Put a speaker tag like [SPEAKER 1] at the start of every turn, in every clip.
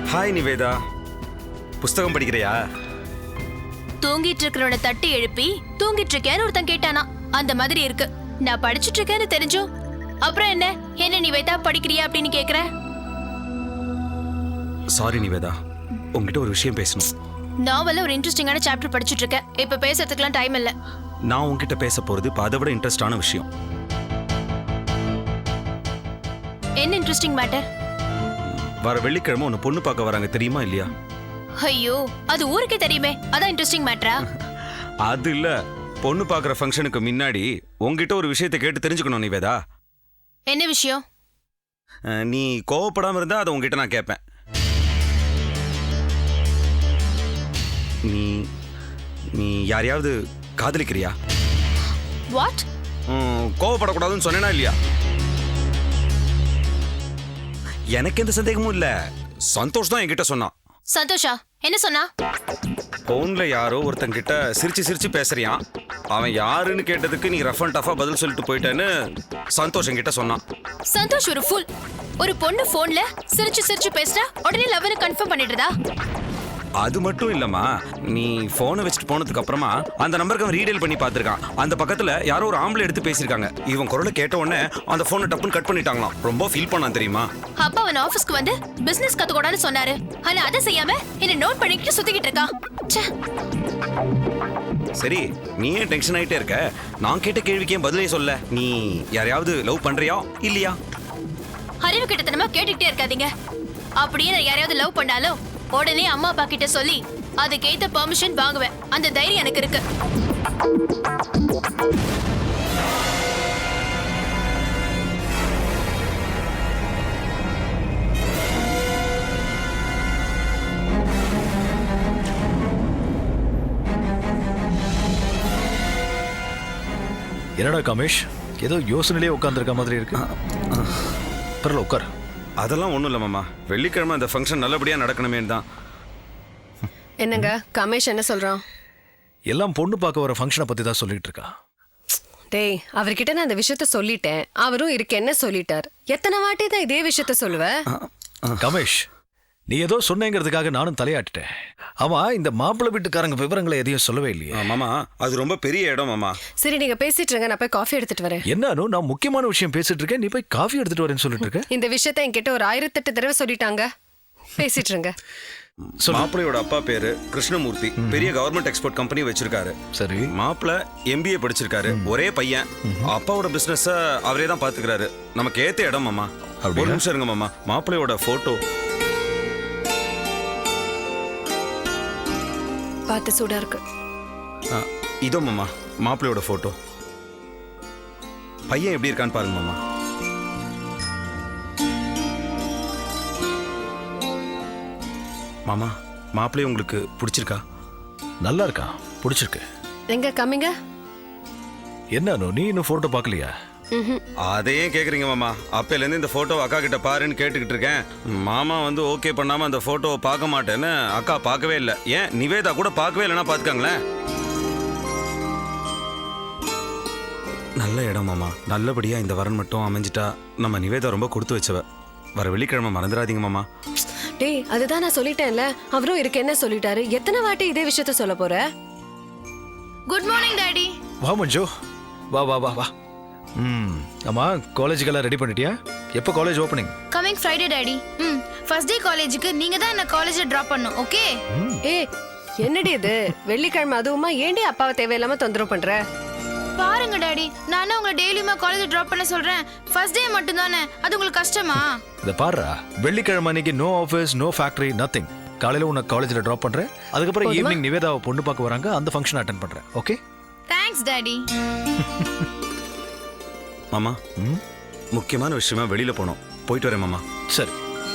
[SPEAKER 1] Hi Nivetha, புஸ்தகம் படிக்கிறியா?
[SPEAKER 2] தூங்கிட்டு இருக்கிறவனை தட்டி எழுப்பி தூங்கிட்டு இருக்கேன்னு ஒருத்தன் கேட்டானா, அந்த மாதிரி இருக்கு. நான் படிச்சுட்டு இருக்கேன்னு தெரிஞ்சும் அப்புறம் என்ன நிவேதா படிக்கிறியா அப்படின்னு கேக்குற?
[SPEAKER 1] சாரி நிவேதா, உங்ககிட்ட ஒரு விஷயம் பேசணும்.
[SPEAKER 2] நாவல்ல ஒரு இன்ட்ரெஸ்டிங்கான சாப்டர் படிச்சுட்டு இருக்கேன். இப்ப பேசுறதுக்குலாம் டைம் இல்ல.
[SPEAKER 1] நான் உங்ககிட்ட பேச போறது இப்ப அதை விட இன்ட்ரெஸ்டான விஷயம்.
[SPEAKER 2] என்ன இன்ட்ரெஸ்டிங் மேட்டர்?
[SPEAKER 1] வர வெள்ளிக்கிழமை உன்னை பொண்ணு பார்க்க வராங்க, தெரியுமா இல்லையா?
[SPEAKER 2] ஐயோ, அது ஊருக்கே தெரியுமே, அதான் இன்ட்ரெஸ்டிங் மேட்டரா?
[SPEAKER 1] அது இல்ல, பொண்ணு பார்க்குற ஃபங்க்ஷனுக்கு முன்னாடி உங்ககிட்ட ஒரு விஷயத்தை கேட்டு தெரிஞ்சுக்கணும் நிவேதா.
[SPEAKER 2] என்ன விஷயம்?
[SPEAKER 1] நீ கோவப்படாம இருந்தா அதை உங்ககிட்ட நான் கேட்பேன். நீ நீ யாரையாவது காதலிக்கிறியா?
[SPEAKER 2] வாட்?
[SPEAKER 1] கோவப்படக்கூடாதுன்னு சொன்னேனா இல்லையா? எனக்கு எந்த சந்தேகமும் இல்ல, சந்தோஷ் தான் என்கிட்ட சொன்னான்.
[SPEAKER 2] சந்தோஷா என்ன சொன்னா?
[SPEAKER 1] போன்ல யாரோ ஒருத்தங்கிட்ட சிரிச்சு சிரிச்சு பேசுறியான். அவன் யாருன்னு கேட்டதுக்கு நீ ரஃப் அண்ட் டஃபா பதில் சொல்லிட்டு போயிட்டேன்னு சந்தோஷ் என்கிட்ட சொன்னான்.
[SPEAKER 2] சந்தோஷ் ஒரு ஃபுல். ஒரு பொண்ணு போன்ல சிரிச்சு சிரிச்சு பேசுறா, உடனே லவ்னு கன்ஃபார்ம் பண்ணிடுறதா?
[SPEAKER 1] அது மட்டும் இல்லம்மா, நீ போனை வச்சுட்டு போனதுக்கு அப்புறமா அந்த நம்பருக்கு அவன் ரீடைல் பண்ணி பார்த்திருக்கான். அந்த பக்கத்துல யாரோ ஒரு ஆம்பளை எடுத்து பேசியிருக்காங்க. இவன் குரலை கேட்ட உடனே அந்த போனை டப்புன்னு கட் பண்ணிட்டாங்களாம். ரொம்ப ஃபீல் பண்ணான் தெரியுமா?
[SPEAKER 2] அப்பா அவன் ஆபீஸ்க்கு வந்து பிசினஸ் கத்துக்கூடாதுன்னு சொன்னாரு. ஆனா அதை செய்யாம என்ன நோட் பண்ணிக்கிட்டு சுத்திக்கிட்டு இருக்கான்.
[SPEAKER 1] சரி, நீ ஏன் டென்ஷன் ஆயிட்டே இருக்க? நான் கேட்ட கேள்விக்கு ஏன் பதிலே சொல்ல? நீ யாரையாவது லவ் பண்றியா இல்லையா?
[SPEAKER 2] அறிவு கிட்டத்தனமா கேட்டுக்கிட்டே இருக்காதீங்க. அப்படியே நான் யாரையாவது லவ் பண்ணாலும் உடனே அம்மா அப்பா கிட்ட சொல்லி அதுக்கேத்த பெர்மிஷன் வாங்குவேன். அந்த தைரியம் எனக்கு இருக்கு.
[SPEAKER 3] என்னடா கமேஷ், ஏதோ யோசனையிலே உட்காந்துருக்க மாதிரி இருக்கு. பரவாயில்ல, உட்கார்.
[SPEAKER 1] அதெல்லாம் ஒன்றும் இல்லை மாமா, வெள்ளிக்கிழமை அந்த ஃபங்க்ஷன் நல்லபடியாக நடக்கணுமேன்னு தான்.
[SPEAKER 4] என்னங்க கமேஷ் என்ன சொல்றான்?
[SPEAKER 3] எல்லாம் பொண்ணு பார்க்க வர ஃபங்க்ஷனை பற்றி தான் சொல்லிட்டு இருக்கா.
[SPEAKER 4] டேய், அவர்கிட்ட நான் அந்த விஷயத்த சொல்லிட்டேன். அவரும் இருக்கு என்ன சொல்லிட்டார். எத்தனை வாட்டி தான் இதே விஷயத்த சொல்லுவ?
[SPEAKER 3] கமேஷ், நீ ஏதோ சொன்னேங்கிறதுக்காக நானும் தலையாட்டுட்டேன். ஆமா, இந்த மாப்பிள்ளை வீட்டுக்காரங்க விவரங்களை எதையும் சொல்லவே இல்லையே.
[SPEAKER 1] மாமா, அது ரொம்ப பெரிய இடம் மாமா.
[SPEAKER 4] சரி, நீங்க பேசிட்டு இருங்க, நான் போய் காஃபி எடுத்துட்டு வரேன்.
[SPEAKER 3] என்னன்னு நான் முக்கியமான விஷயம் பேசிட்டு இருக்கேன், நீ போய் காஃபி எடுத்துட்டு வரேன்னு சொல்லிட்டு இருக்க.
[SPEAKER 4] இந்த விஷயத்த என்கிட்ட ஒரு 1008 தடவை சொல்லிட்டாங்க. பேசிட்டு இருங்க.
[SPEAKER 1] மாப்பிள்ளையோட அப்பா பேரு கிருஷ்ணமூர்த்தி, பெரிய கவர்மெண்ட் எக்ஸ்போர்ட் கம்பெனி வச்சிருக்காரு.
[SPEAKER 3] சரி,
[SPEAKER 1] மாப்பிள்ளை MBA படிச்சிருக்காரு. ஒரே பையன். அப்பாவோட பிசினஸ் அவரே தான் பாத்துக்கிறாரு. நமக்கு ஏத்த இடம் மாமா. ஒரு நிமிஷம் இருங்க மாமா, மாப்பிள்ளையோட போட்டோ
[SPEAKER 4] பார்த்து சூடா இருக்கு.
[SPEAKER 1] இதோ மாமா, மாப்பிள்ளையோட போட்டோ. பையன் எப்படி இருக்கான்னு பாருங்க மாமா. மாமா, மாப்பிள்ளைய உங்களுக்கு பிடிச்சிருக்கா?
[SPEAKER 3] நல்லா இருக்கா, பிடிச்சிருக்கு.
[SPEAKER 4] எங்க கம்மிங்க?
[SPEAKER 3] என்னன்னு நீ இன்னும் போட்டோ பார்க்கலையா?
[SPEAKER 1] அதையே கேக்குறீங்க மாமா? அப்பையிலேருந்து இந்த போட்டோ அக்கா கிட்ட பாருன்னு கேட்டுக்கிட்டு இருக்கேன். மாமா வந்து ஓகே பண்ணாம அந்த போட்டோவை பார்க்க மாட்டேன்னு அக்கா பார்க்கவே இல்லை. ஏன் நிவேதா கூட பார்க்கவே இல்லைன்னா பார்த்துக்காங்களேன். நல்ல இடம் மாமா, நல்லபடியா இந்த வரன் மட்டும் அமைஞ்சிட்டா நம்ம நிவேதா ரொம்ப கொடுத்து வச்சவ. வர வெள்ளிக்கிழமை மறந்துடாதீங்க மாமா.
[SPEAKER 4] டேய், அதுதான் நான் சொல்லிட்டேன்ல. அவரும் இருக்கு என்ன சொல்லிட்டாரு. எத்தனை வாட்டி இதே விஷயத்த சொல்ல போற?
[SPEAKER 2] Good morning daddy.
[SPEAKER 3] வா மஞ்சு, வா வா வா வா. ஆமா, காலேஜுக்கெல்லாம் ரெடி பண்ணிட்டியா? எப்போ college opening?
[SPEAKER 2] Coming Friday daddy. First day காலேஜுக்கு நீங்க தான் என்ன காலேஜ்ல டிராப் பண்ணனும், ஓகே?
[SPEAKER 4] ஏய், என்னடி இது வெள்ளிக்கிழமை அதுவுமா? ஏண்டி அப்பாவை தேவையில்லாம தொந்தரவு பண்ற?
[SPEAKER 2] பாருங்க டாடி, நானும் உங்களை டெய்லியுமா காலேஜ் டிராப் பண்ண சொல்றேன். ஃபர்ஸ்ட் டே மட்டும் தானே, அது உங்களுக்கு கஷ்டமா?
[SPEAKER 3] இதை பாருடா, வெள்ளிக்கிழமை அன்னைக்கு no office, no factory, nothing. காலையில உன்னை காலேஜில் ட்ராப் பண்றேன். அதுக்கப்புறம் ஈவினிங் நிவேதாவை பொண்ணு பார்க்க வராங்க, அந்த ஃபங்க்ஷன் அட்டென்ட் பண்றேன், ஓகே?
[SPEAKER 2] Thanks daddy.
[SPEAKER 1] மாமா, முக்கியமான விஷயமா வெளியில போனோம், போயிட்டு வரேன் மாமா.
[SPEAKER 3] சரி.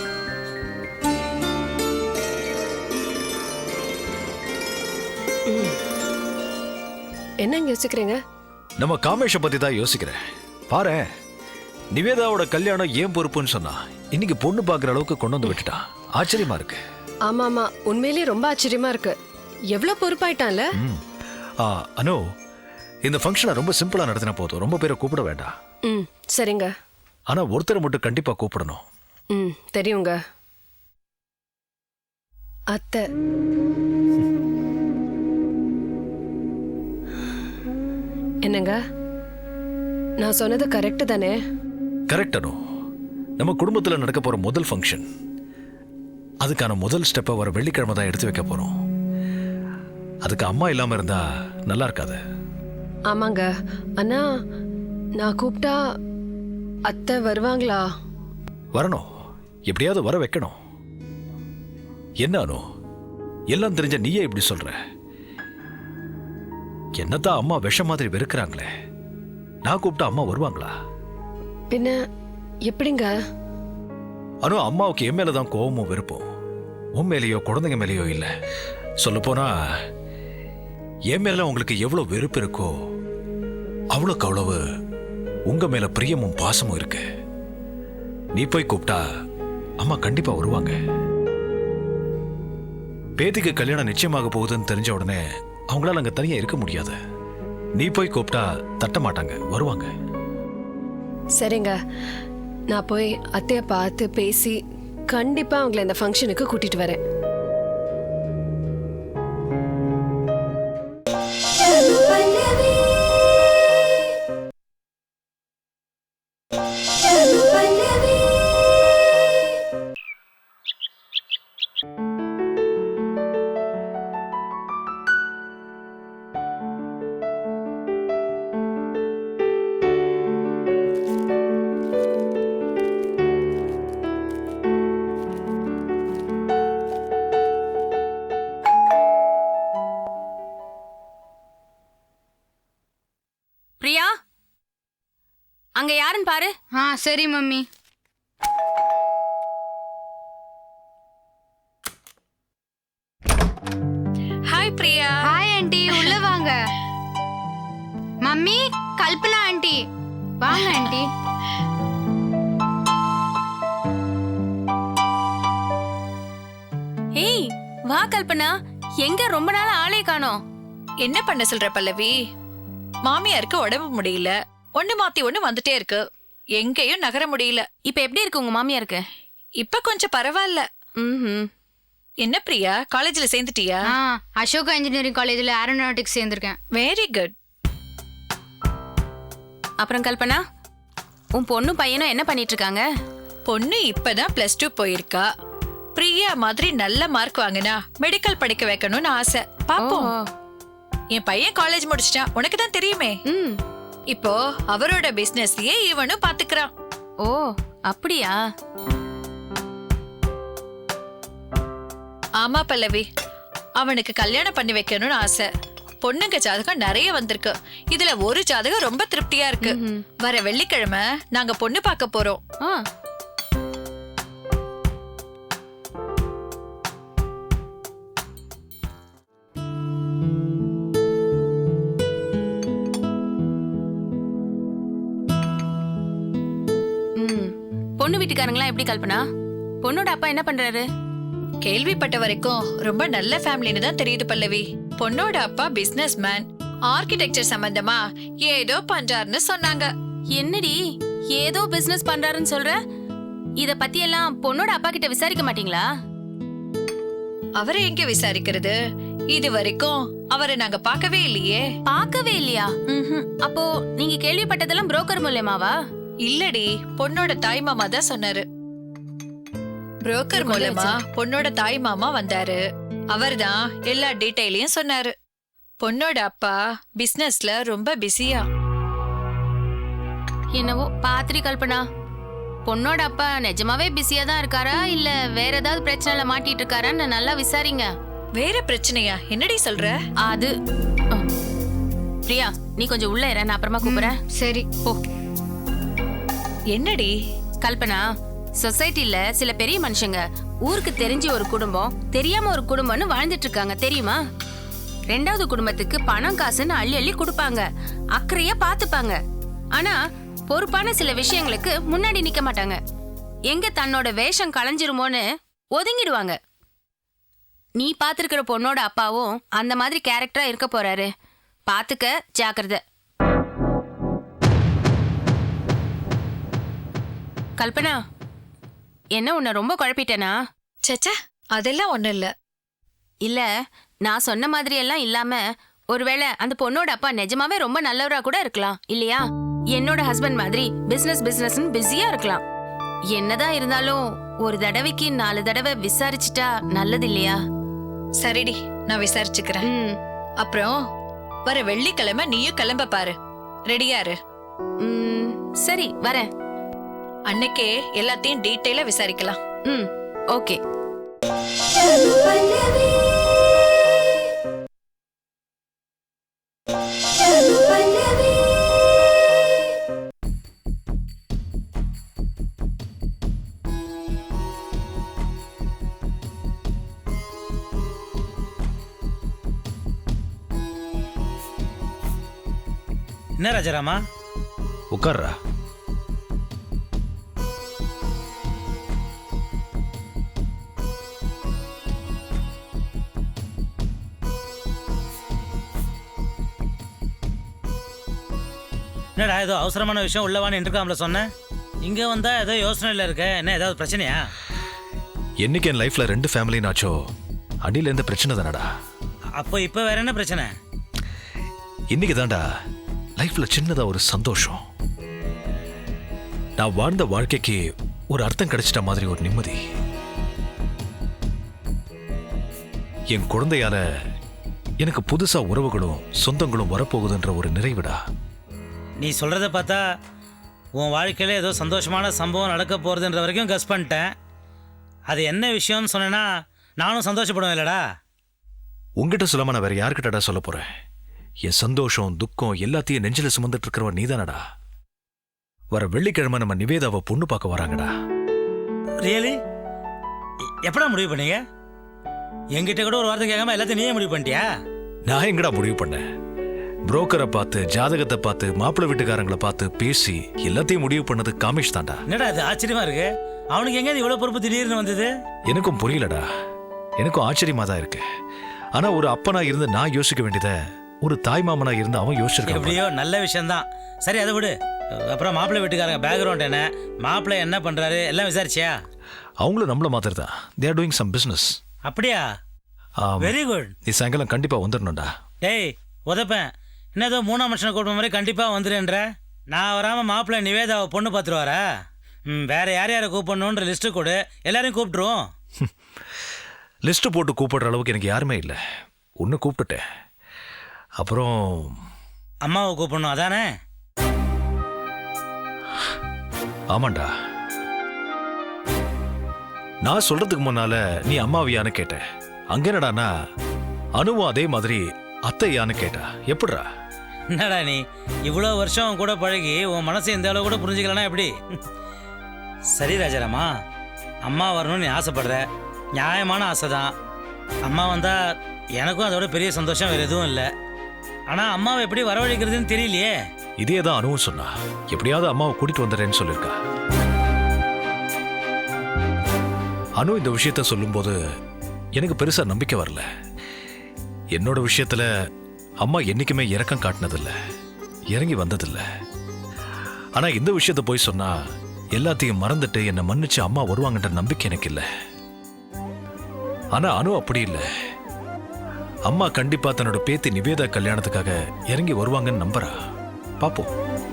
[SPEAKER 4] என்னங்க யோசிக்கிறீங்க?
[SPEAKER 3] நம்ம காமேஷை பத்தி தான் யோசிக்கிறேன். பாரு, நிவேதாவோட கல்யாணம் ஏன் பொறுப்புன்னு சொன்னா இன்னைக்கு பொண்ணு பார்க்குற அளவுக்கு கொண்டு வந்து விட்டுட்டா. ஆச்சரியமா இருக்கு.
[SPEAKER 4] ஆமா ஆமா, உண்மையிலேயே ரொம்ப ஆச்சரியமா இருக்கு. எவ்வளவு பொறுப்பாயிட்டான்ல.
[SPEAKER 3] அனு, இந்த ஃபங்க்ஷனை ரொம்ப சிம்பிளா நடத்தினா போதும், ரொம்ப பேரை கூப்பிட வேண்டாம்.
[SPEAKER 4] சரிங்க.
[SPEAKER 3] ஆனா ஒருத்தரை மட்டும் கண்டிப்பா கூப்பிடணும்.
[SPEAKER 4] தெரியுங்க. அத்தை. என்னங்க, நான் சொன்னது கரெக்ட் தானே?
[SPEAKER 3] கரெக்ட் அனு. நம்ம குடும்பத்தில் நடக்க போற முதல் ஃபங்க்ஷன், அதுக்கான முதல் ஸ்டெப்பை வர வெள்ளிக்கிழமை தான் எடுத்து வைக்க போறோம். அதுக்கு அம்மா இல்லாம இருந்தா நல்லா இருக்காது.
[SPEAKER 4] ஆமாங்க, அண்ணா நான் கூப்பிட்டா அத்தை வருவாங்களா?
[SPEAKER 3] வரணும், எப்படியாவது வர வைக்கணும். என்ன அனு, எல்லாம் தெரிஞ்ச நீயே இப்படி சொல்ற? என்னத்தான் அம்மா விஷம் மாதிரி வெறுக்கிறாங்களே, நான் கூப்பிட்டா அம்மா வருவாங்களா?
[SPEAKER 4] பின்ன எப்படிங்க?
[SPEAKER 3] அனு, அம்மாவுக்கு என் மேலதான் கோவமும் வெறுப்போம், உன் மேலேயோ குழந்தைங்க மேலேயோ இல்லை. சொல்லப்போனா என் மேல உங்களுக்கு எவ்வளவு வெறுப்பு இருக்கோ அவ்வளோக்கு அவ்வளவு உங்க மேல பிரியமும் பாசமும் இருக்கு. நீ போய் கூப்பிட்டா அம்மா கண்டிப்பா வருவாங்க. பேத்திக்கு கல்யாணம் நிச்சயமாக போகுதுன்னு தெரிஞ்ச உடனே அவங்களால அங்க தனியா இருக்க முடியாது. நீ போய் கூப்பிட்டா தட்ட மாட்டாங்க, வருவாங்க.
[SPEAKER 4] சரிங்க, நான் போய் அத்தைய பார்த்து பேசி கண்டிப்பா அவங்கள இந்த ஃபங்க்ஷனுக்கு கூட்டிட்டு வரேன்.
[SPEAKER 2] பிரியா, அங்க யாருன்னு பாரு.
[SPEAKER 5] சரி mummy.
[SPEAKER 2] Hi Priya.
[SPEAKER 5] Hi aunty, உள்ள வாங்க. Mummy, Kalpana aunty. வாங்க ஆண்டி.
[SPEAKER 2] ஏய் வா கல்பனா, எங்க ரொம்ப நாள் ஆளே காணோம்.
[SPEAKER 6] என்ன பண்ண சொல்ற பல்லவி? மாமியாருக்கு உடம்பு முடியல, ஒண்ணு மாத்தி ஒண்ணு வந்துட்டே இருக்கு, எங்கேயும் நகர முடியல.
[SPEAKER 2] இப்ப எப்படி இருக்கு உங்க மாமியாருக்கு?
[SPEAKER 6] இப்ப கொஞ்சம் பரவாயில்ல. என்ன பிரியா, காலேஜ்ல சேர்ந்துட்டியா?
[SPEAKER 5] அசோகா இன்ஜினியரிங் காலேஜ்ல ஏரோநாட்டிக்ஸ் சேர்ந்திருக்கேன்.
[SPEAKER 6] Very good.
[SPEAKER 2] அப்புறம் கல்பனா, உன் பொண்ணு பையனும் என்ன பண்ணிட்டு இருக்காங்க?
[SPEAKER 6] பொண்ணு இப்பதான் +2 போயிருக்கா. பிரியா மாதிரி நல்ல மார்க் வாங்கினா மெடிக்கல் படிக்க வைக்கணும்னு ஆசை. பாப்போம். என் பையன் காலேஜ் முடிச்சிட்டான், உனக்கு தான் தெரியுமே. இப்போ அவரோட பிசினஸ்லயே இவனும் பாத்துக்கிறான்.
[SPEAKER 2] ஓ அப்படியா?
[SPEAKER 6] ஆமா பல்லவி, அவனுக்கு கல்யாணம் பண்ணி வைக்கணும்னு ஆசை. பொண்ணுங்க ஜாதகம் நிறைய வந்திருக்கு, இதுல ஒரு ஜாதகம் ரொம்ப திருப்தியா இருக்கு. வர வெள்ளிக்கிழமை நாங்க பொண்ணு பார்க்க போறோம்.
[SPEAKER 2] பொண்ணு வீட்டுக்காரங்களா எப்படி கல்பனா? பொண்ணோட அப்பா என்ன பண்றாரு?
[SPEAKER 6] கேள்விப்பட்ட வரைக்கும் ரொம்ப நல்ல ஃபேமிலின்னு தான் தெரியுது பல்லவி. பொண்ணோட அப்பா பிசினஸ் மேன், ஆர்கிடெக்சர் சம்பந்தமா ஏதோ பண்றாருன்னு சொன்னாங்க.
[SPEAKER 2] என்னடி ஏதோ பிசினஸ் பண்றாருன்னு சொல்ற? இத பத்தி எல்லாம் பொண்ணோட அப்பா கிட்ட விசாரிக்க மாட்டீங்களா?
[SPEAKER 6] அவரை எங்க விசாரிக்கிறது? இது வரைக்கும் அவரை நாங்க பார்க்கவே இல்லையே.
[SPEAKER 2] பார்க்கவே இல்லையா? அப்போ நீங்க கேள்விப்பட்டதெல்லாம் புரோக்கர் மூலமாவா?
[SPEAKER 6] இல்லடி, பொண்ணோட தாய் மாமா தான் சொன்னாரு. புரோக்கர் மூலமா பொண்ணோட தாய் மாமா வந்தாரு, அவர்தான் எல்லா டீடைலையும் சொன்னாரு. பொண்ணோட அப்பா பிசினஸ்ல ரொம்ப பிஸியா.
[SPEAKER 2] என்னவோ பாத்திரி கல்பனா, பொண்ணோட அப்பா நிஜமாவே பிஸியா தான் இருக்காரா இல்ல வேற ஏதாவது பிரச்சனைல மாட்டிட்டு இருக்காரான்னு நல்லா விசாரிங்க.
[SPEAKER 6] வேற பிரச்சனையா? என்னடி சொல்ற?
[SPEAKER 2] அது பிரியா, நீ கொஞ்சம் உள்ள இரு, நான் அப்புறமா கூப்பிடுறேன்.
[SPEAKER 5] சரி
[SPEAKER 2] போ.
[SPEAKER 6] என்னடி?
[SPEAKER 2] கல்பனா, சொசைட்டில சில பெரிய மனுஷங்க ஊருக்கு தெரிஞ்ச ஒரு குடும்பம், தெரியாம ஒரு குடும்பம்னு வாழ்ந்துட்டு இருக்காங்க தெரியுமா? ரெண்டாவது குடும்பத்துக்கு பணம் காசுன்னு அள்ளி அள்ளி கொடுப்பாங்க, அக்கறையா பாத்துப்பாங்க. ஆனா பொறுப்பான சில விஷயங்களுக்கு முன்னாடி நிக்க மாட்டாங்க. எங்க தன்னோட வேஷம் களைஞ்சிருமோன்னு ஒதுங்கிடுவாங்க. நீ பாத்துருக்கிற பொண்ணோட அப்பாவும் அந்த மாதிரி கேரக்டரா இருக்க போறாரு. பாத்துக்க, ஜாக்கிரதை. கல்பனா, என்ன உன்னை ரொம்ப குழப்பிட்டேனா?
[SPEAKER 6] சச்சா, அதெல்லாம் ஒண்ணும் இல்ல.
[SPEAKER 2] இல்ல நான் சொன்ன மாதிரி எல்லாம் இல்லாம ஒருவேளை அந்த பொண்ணோட அப்பா நிஜமாவே ரொம்ப நல்லவரா கூட இருக்கலாம் இல்லையா? என்னோட ஹஸ்பண்ட் மாதிரி பிசினஸ் பிசினஸ்னு பிஸியா இருக்கலாம். என்னதான் இருந்தாலும் ஒரு தடவைக்கு 4 தடவை விசாரிச்சுட்டா நல்லது இல்லையா?
[SPEAKER 6] சரிடி, நான் விசாரிச்சுக்கிறேன்.
[SPEAKER 2] ம்,
[SPEAKER 6] அப்புறம் வர வெள்ளிக்கிழமை நீயும் கிளம்ப பாரு. ரெடியா இரு.
[SPEAKER 2] ம், சரி வரேன்.
[SPEAKER 6] அன்னைக்கே எல்லாத்தையும் டீட்டெயிலா விசாரிக்கலாம்.
[SPEAKER 2] ம், ஓகே.
[SPEAKER 7] என்ன ராஜாராமா?
[SPEAKER 3] உட்கார்றா.
[SPEAKER 7] என்னடா ஏதோ அவசரமான விஷயம் உள்ளவான்னு இன்டர்காம்ல சொன்னேன். இங்க வந்தா ஏதோ யோசனையில் இருக்க. என்ன ஏதாவது பிரச்சனையா?
[SPEAKER 3] என்னைக்கு என் லைஃப்ல 2 ஃபேமிலி நாச்சோ அடியில இருந்த பிரச்சனை தானடா.
[SPEAKER 7] அப்போ இப்போ வேற என்ன பிரச்சனை?
[SPEAKER 3] இன்னைக்கு தான்டா லைஃப்ல சின்னதா ஒரு சந்தோஷம். நான் வாழ்ந்த வாழ்க்கைக்கு ஒரு அர்த்தம் கிடைச்சிட்ட மாதிரி ஒரு நிம்மதி. என் குழந்தையால எனக்கு புதுசா உறவுகளும் சொந்தங்களும் வரப்போகுதுன்ற ஒரு நிறைவுடா.
[SPEAKER 7] நீ சொல்றத பார்த்தா உன் வாழ்க்கையில ஏதோ சந்தோஷமான சம்பவம் நடக்க போறதுன்ற வரைக்கும் கஸ் பண்ணிட்டேன். அது என்ன விஷயம்னு சொன்னேன்னா நானும் சந்தோஷப்படுவேன் இல்லடா.
[SPEAKER 3] உங்ககிட்ட சொல்லாம நான் வேற யாருக்கிட்டடா சொல்ல போறேன்? என் சந்தோஷம் துக்கம் எல்லாத்தையும் நெஞ்சில சுமந்துட்டு இருக்கிறவன் நீதானடா. வர வெள்ளிக்கிழமை நம்ம நிவேதாவை பொண்ணு பார்க்க வராங்கடா.
[SPEAKER 7] ரியலி? எப்படா முடிவு பண்ணீங்க? என்கிட்ட கூட ஒரு வார்த்தை கேட்காம எல்லாத்தையும் நீயே முடிவு பண்ணிட்டியா?
[SPEAKER 3] நான் எங்கடா முடிவு பண்ணேன்? புரோக்கரை பார்த்து, ஜாதகத்தை பார்த்து, மாப்பிள்ளை வீட்டுக்காரங்களை பார்த்து பேசி எல்லாத்தையும் முடிவு பண்ணது காமேஷ் தான்டா.
[SPEAKER 7] என்னடா அது ஆச்சரியமா இருக்கு. அவனுக்கு எங்க இவ்வளவு பொறுப்பு திடீர்னு வந்தது?
[SPEAKER 3] எனக்கும் புரியலடா. எனக்கும் ஆச்சரியமா தான் இருக்கு. ஆனா ஒரு அப்பனா இருந்து நான் யோசிக்க வேண்டியதை ஒரு தாய் மாமனா இருந்து அவன் யோசிச்சிருக்கான்.
[SPEAKER 7] எப்படியோ நல்ல விஷயம்தான். சரி அதை விடு. அப்புறம் மாப்பிள்ளை வீட்டுக்காரங்க பேக்ரவுண்ட் என்ன, மாப்பிள்ளை என்ன பண்றாரு எல்லாம் விசாரிச்சியா?
[SPEAKER 3] அவங்களும் நம்மள மாதிரி தான். They are doing some business.
[SPEAKER 7] அப்படியா? Very good.
[SPEAKER 3] நீ சாயங்காலம் கண்டிப்பா வந்துடணும்டா.
[SPEAKER 7] டேய் உதப்பேன். என்ன ஏதோ 3ஆம் மனுஷனை கூப்பிட்ட மாதிரி கண்டிப்பா வந்துடுன்ற. நான் வராம மாப்பிள்ளை நிவேதாவை பொண்ணு பார்த்துருவாரா? வேற யார் யாரை கூப்பிடணுன்ற லிஸ்ட்டு கொடு, எல்லாரையும் கூப்பிட்டுருவோம்.
[SPEAKER 3] லிஸ்ட் போட்டு கூப்பிடுற அளவுக்கு எனக்கு யாருமே இல்லை. ஒன்று கூப்பிட்டுட்டேன். அப்புறம்
[SPEAKER 7] அம்மாவை கூப்பிடணும் அதானே?
[SPEAKER 3] ஆமாண்டா. நான் சொல்றதுக்கு முன்னால நீ அம்மாவியான்னு கேட்ட. அங்க என்னடானா அனுவும் அதே மாதிரி அத்தையான்னு கேட்டா. எப்படிடா?
[SPEAKER 7] என்னடா நீ இவ்வளோ வருஷம் கூட பழகி உன் மனசை இந்த அளவு கூட புரிஞ்சுக்கலன்னா எப்படி? சரி ராஜாராமா, அம்மா வரணும்னு நீ ஆசைப்படுற, நியாயமான ஆசை தான். அம்மா வந்தா எனக்கும் அதோட பெரிய சந்தோஷம் வேறு எதுவும் இல்லை. ஆனால் அம்மாவை எப்படி வரவழைக்கிறதுன்னு தெரியலையே.
[SPEAKER 3] இதே தான் அனுவும் சொன்னா. எப்படியாவது அம்மாவை கூட்டிட்டு வந்துடுறேன்னு சொல்லியிருக்கா. அனு இந்த விஷயத்த சொல்லும்போது எனக்கு பெருசா நம்பிக்கை வரல. என்னோட விஷயத்துல அம்மா என்னைக்குமே இரக்கம் காட்டினதில்ல, இறங்கி வந்ததில்ல. ஆனா இந்த விஷயத்த போய் சொன்னா எல்லாத்தையும் மறந்துட்டு என்னை மன்னிச்சு அம்மா வருவாங்கன்ற நம்பிக்கை எனக்கு இல்லை. ஆனா அனு அப்படி இல்லை. அம்மா கண்டிப்பா தன்னோட பேத்தி நிவேதா கல்யாணத்துக்காக இறங்கி வருவாங்கன்னு நம்புறா. பாப்போம்.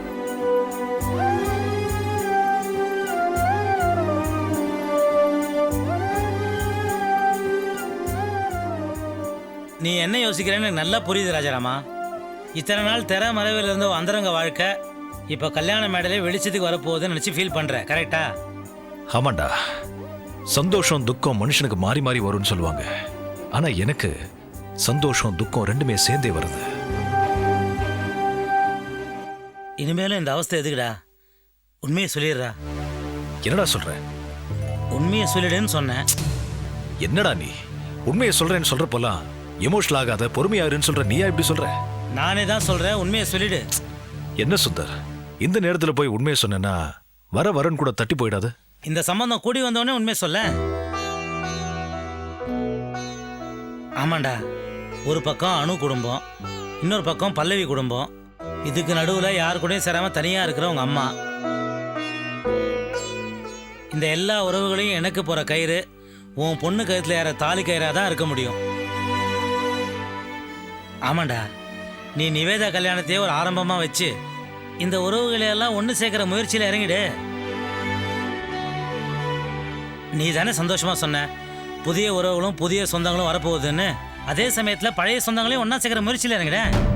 [SPEAKER 7] நீ என்ன யோசிக்கிறேன்னு எனக்கு நல்லா புரியுது ராஜாராமா. இத்தனை நாள் திற மறைவில் இருந்த அந்தரங்க வாழ்க்கை இப்போ கல்யாண மேடையிலே வெளிச்சத்துக்கு வரப்போகுதுன்னு நினச்சி ஃபீல் பண்ணுற, கரெக்டா?
[SPEAKER 3] ஆமாண்டா. சந்தோஷம் துக்கம் மனுஷனுக்கு மாறி மாறி வரும்னு சொல்லுவாங்க. ஆனா எனக்கு சந்தோஷம் துக்கம் ரெண்டுமே சேர்ந்தே வருது.
[SPEAKER 7] இனிமேலும் இந்த அவஸ்தை எதுக்குடா? உண்மையை சொல்லிடுறா.
[SPEAKER 3] என்னடா சொல்ற?
[SPEAKER 7] உண்மையை சொல்லிடுன்னு சொன்னேன்.
[SPEAKER 3] என்னடா நீ உண்மையை சொல்றேன்னு சொல்றப்போலாம் எமோஷனல் ஆகாத, பொறுமையாருன்னு சொல்ற. நீயா இப்படி சொல்ற?
[SPEAKER 7] நானே தான் சொல்றேன், உண்மையை சொல்லிடு.
[SPEAKER 3] என்ன சுந்தர், இந்த நேரத்துல போய் உண்மையை சொன்னா வரன்னு கூட தட்டி போயிடாது?
[SPEAKER 7] இந்த சம்பந்தம் கூடி வந்தவொடனே உண்மையை சொல்ல. ஆமாண்டா, ஒரு பக்கம் அணு குடும்பம், இன்னொரு பக்கம் பல்லவி குடும்பம். இதுக்கு நடுவுல யாரு கூடயும் சேராம தனியா இருக்கிற உங்க அம்மா. இந்த எல்லா உறவுகளையும் எனக்கு போற கயிறு உன் பொண்ணு கயிறுல ஏற தாலி கயிறா தான் இருக்க முடியும். ஆமாண்டா, நீ நிவேதா கல்யாணத்தையே ஒரு ஆரம்பமா வச்சு இந்த உறவுகளை எல்லாம் ஒன்று சேர்க்கிற முயற்சியில் இறங்கிடு. நீ தானே சந்தோஷமா சொன்ன புதிய உறவுகளும் புதிய சொந்தங்களும் வரப்போகுதுன்னு. அதே சமயத்தில் பழைய சொந்தங்களையும் ஒன்றா சேர்க்கிற முயற்சியில் இறங்கிட.